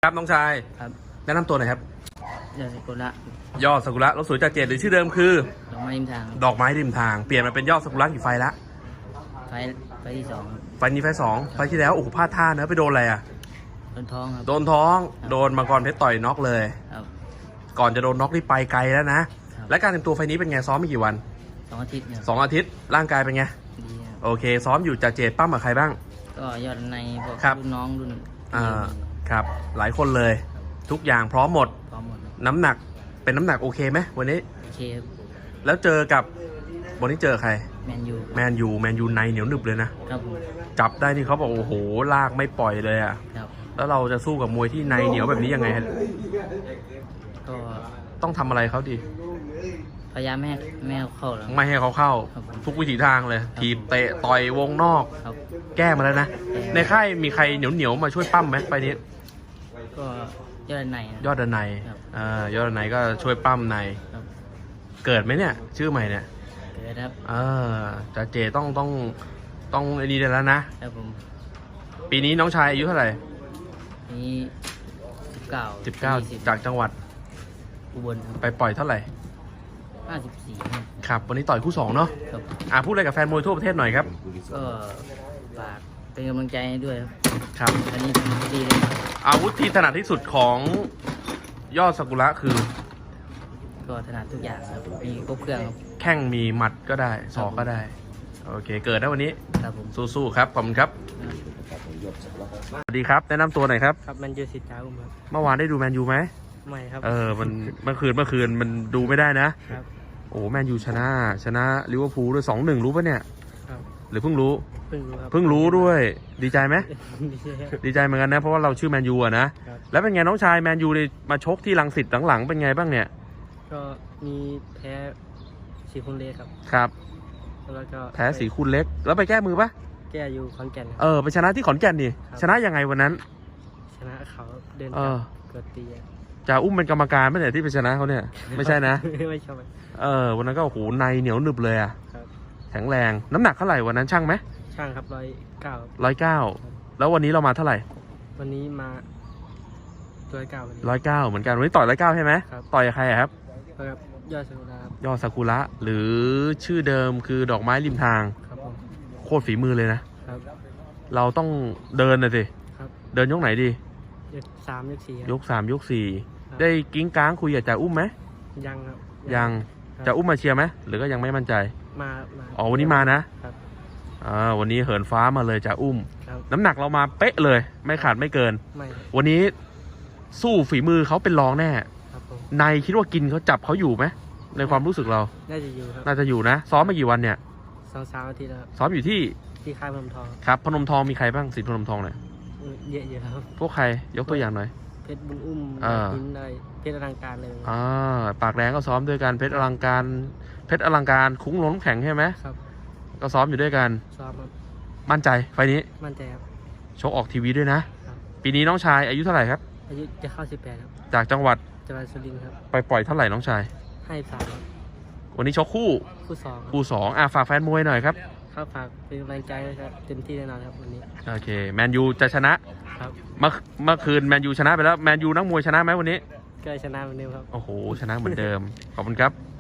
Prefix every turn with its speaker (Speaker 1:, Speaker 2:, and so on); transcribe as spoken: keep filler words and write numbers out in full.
Speaker 1: ครับน้องชาย
Speaker 2: ครับ
Speaker 1: แนะนำตัวหน่อยครับ
Speaker 2: ยอดสกุระ
Speaker 1: ยอดสกุระรถสวยจากเจดหรือชื่อเดิมคือ
Speaker 2: ดอกไม้ริมทาง
Speaker 1: ดอกไม้ริมทางเปลี่ยนมาเป็นยอดสกุระกี่ไฟละ
Speaker 2: ไฟไฟที่สองครับ
Speaker 1: ไฟนี้ไฟสองไฟที่แล้วโอ้โหพลาดท่าเนอะไปโดนอะไรอ่ะ
Speaker 2: โดนท้องครับ
Speaker 1: โดนท้องโดนมังกรเพชรต่อยน็อกเลย
Speaker 2: ครับ
Speaker 1: ก่อนจะโดนน็อกนี่ไปไกลแล้วนะครับและการเตรียมตัวไฟนี้เป็นไงซ้อมมากี่วัน
Speaker 2: สองอาทิตย์เนี่ย
Speaker 1: สองอาทิตย์ร่างกายเป็นไง
Speaker 2: ดีครับ
Speaker 1: โอเคซ้อมอยู่จากเจดปั้มกับใครบ้าง
Speaker 2: ก็ยอดในพวก
Speaker 1: ครับ
Speaker 2: รุ่นน้องรุ่น
Speaker 1: อ่าครับหลายคนเลยทุกอย่างพร้อมหมด
Speaker 2: พร้อมหมดครับ
Speaker 1: น้ำหนักเป็นน้ำหนักโอเคไหมวันนี้
Speaker 2: โอเคครับ
Speaker 1: แล้วเจอกับวันนี้เจอใคร
Speaker 2: แมนยู
Speaker 1: แมนยูแมนยูในเหนียวหนึบเลยนะครับ
Speaker 2: ผม
Speaker 1: จับได้นี่เขาบอกโอ้โหลากไม่ปล่อยเลยอ่ะ
Speaker 2: ครับ
Speaker 1: แล้วเราจะสู้กับมวยที่ในเหนียวแบบนี้ยังไงฮะ
Speaker 2: ก็
Speaker 1: ต้องทำอะไรเขาดี
Speaker 2: พยายามไม่ให้ไม่ให้เข้าแล้ว
Speaker 1: ไม่ให้เขาเข้า
Speaker 2: ครับผม
Speaker 1: ทุกวิถีทางเลยถีบเตะต่อยวงนอก
Speaker 2: ครับ
Speaker 1: แก้มาแล้วนะในค่ายมีใครเหนียวเหนียวมาช่วยปั้มไหมไปนี้
Speaker 2: ก็ยอดในนะ
Speaker 1: ยอดดันใน
Speaker 2: ครับ
Speaker 1: อ่ายอดดันในก็ช่วยปั้มใน
Speaker 2: ครับ
Speaker 1: เกิดไหมเนี่ยชื่อใหม่เนี่ย
Speaker 2: เกิดครับ
Speaker 1: เออจ่าเจต้องต้องต้องไอ้นี่ได้แล้วนะครับ
Speaker 2: ผม
Speaker 1: ปีนี้น้องชายอายุเท่าไหร่
Speaker 2: นี่สิบเก้า
Speaker 1: สิบเก้าจากจังหวัด
Speaker 2: อุบลครับ
Speaker 1: ไปปล่อยเท่าไหร่
Speaker 2: ห้าสิบสี่
Speaker 1: ครับวันนี้ต่อยคู่สองเนาะ
Speaker 2: ครับ
Speaker 1: อ่าพูดอะไรกับแฟนมวยทั่วประเทศหน่อยครับ
Speaker 2: ก็ฝากเป็นกำลังใจให้ด้วยครับ
Speaker 1: ครับ
Speaker 2: อันนี้ดีเลย
Speaker 1: อาวุธที่ถนัดที่สุดของยอดสกุระคือ
Speaker 2: ก็ถนัดทุกอย่างครับมีครบเครื่องครับ
Speaker 1: แข้งมีหมัดก็ได้ศอกก็ได้โอเคเกิดได้วันนี้
Speaker 2: ครับผม
Speaker 1: สู้ๆครับขอบคุณครับสวัสดีครับแนะนำตัวหน่อยครับ
Speaker 2: ครับแมนยูสิทธิ์จ้าอุ้มครับ
Speaker 1: เมื่อวานได้ดูแมนยูไหม
Speaker 2: ไม่ครับ
Speaker 1: เออมันเมื่อคืนเมื่อคืนมันดูไม่ได้นะครับโอ้แมนยูชนะชนะลิเวอร์พูลด้วยสองหนึ่งรู้ปะเนี่ย
Speaker 2: ครับ
Speaker 1: หรือเพิ่งรู้
Speaker 2: เพิ่งรู้ครับ
Speaker 1: เพิ่งรู้ด้วยดีใจไหมดีใจเหมือนกันนะเพราะว่าเราชื่อแมนยูอะนะแล้วเป็นไงน้องชายแมนยูมาชกที่รังสิตหลังๆเป็นไงบ้างเนี่ย
Speaker 2: ก็มีแพ้สีคุณเล็กครับ
Speaker 1: ครับ
Speaker 2: แล้วก็
Speaker 1: แพ้สีคุณเล็กแล้วไปแก้มือปะ
Speaker 2: แก้อยู่ขอนแก่น
Speaker 1: เออไปชนะที่ขอนแก่นนี่ชนะยังไงวันนั้น
Speaker 2: ชนะเขาเดินเกิดตี
Speaker 1: จะอุ้มเป็นกรรมการไม่ใช่ที่ไปชนะเขาเนี่ยไม่ใช่นะ
Speaker 2: ไม่ใช่
Speaker 1: เออวันนั้นก็โอ้โหในเหนียวหนึบเลยอ่ะ
Speaker 2: ครับ
Speaker 1: แข็งแรงน้ำหนักเท่าไหร่วันนั้นช่างไหม
Speaker 2: ช่างครับร้อยเก้า
Speaker 1: ร้อยเก้าแล้ววันนี้เรามาเท่าไหร่
Speaker 2: วันนี้มาร้อยเก้า
Speaker 1: ร้อยเก้าเหมือนกันวันนี้ต่อยร้อยเก้าใช่ไหมต่อยกับใครครับ
Speaker 2: ครับยอดซากุระ
Speaker 1: ยอดซากุระหรือชื่อเดิมคือดอกไม้ริมทาง
Speaker 2: ครับผม
Speaker 1: โคตรฝีมือเลยนะครับเราต้องเดินนะสิ
Speaker 2: ครับ
Speaker 1: เดินยกไหนดี
Speaker 2: ยกสามยกสี่
Speaker 1: ยกสามยกสี่ได้กิ้งก้างคุยกับจ่าอุ้มไหม
Speaker 2: ยังครับ
Speaker 1: ยังจ่าอุ้มมาเชียร์ไหมหรือก็ยังไม่มั่นใจ
Speaker 2: มา
Speaker 1: อ๋อวันนี้มานะครับอ่าวันนี้เหินฟ้ามาเลยจ่าอุ้มน้ำหนักเรามาเป๊ะเลยไม่ขาดไม่เกินวันนี้สู้ฝีมือเขาเป็นรองแน่ในคิดว่ากินเขาจับเขาอยู่ไหมในความรู้สึกเรา
Speaker 2: น่าจะอยู่ครับ
Speaker 1: น่าจะอยู่นะซ้อมมากี่วันเนี่ย
Speaker 2: สองสามอาทิตย์แล้ว
Speaker 1: ซ้อมอยู่ที่
Speaker 2: ที่ค่ายพนมทอง
Speaker 1: ครับพนมทองมีใครบ้างสิทธิ์พนมทองเนี่ย
Speaker 2: เยอะเยอะครับ
Speaker 1: พวกใครยกตัวอย่างหน่อย
Speaker 2: เพชรบุญอุ้มหินอะไรเพชรอลังการเลย
Speaker 1: อ่าปากแดงก็ซ้อมด้วยกันเพชรอลังการเพชรอลังการคุ้งล้มแข็งใช่ไหม
Speaker 2: ครับ
Speaker 1: ก็ซ้อมอยู่ด้วยกัน
Speaker 2: ซ้อมครับ
Speaker 1: มั่นใจไฟนี้
Speaker 2: มั่นใจครับ
Speaker 1: ชกออกทีวีด้วยนะปีนี้น้องชายอายุเท่าไหร่ครับ
Speaker 2: อายุจะเข้าสิบแปดครับ
Speaker 1: จากจังหวัด
Speaker 2: จังหวัดสุรินทร์ครับ
Speaker 1: ไปปล่อยเท่าไหร่น้องชาย
Speaker 2: ให้สามครับ
Speaker 1: วันนี้ชกคู่
Speaker 2: คู่สอง
Speaker 1: คู่สองอ่ะฝากแฟนมวยหน่อยครับ
Speaker 2: ครับฝากเป็นกำลังใจด้วยครับเต็มที่แน่นอนครับวันนี้
Speaker 1: โอเคแมนยูจะชนะครับเมื่อเมื่อคืนแมนยูชนะไปแล้วแมนยูนักมวยชนะไหมวันนี้
Speaker 2: ก็ชนะเหมือนเดิมครับ
Speaker 1: โอ้โหชนะเหมือนเดิมขอบคุณครับ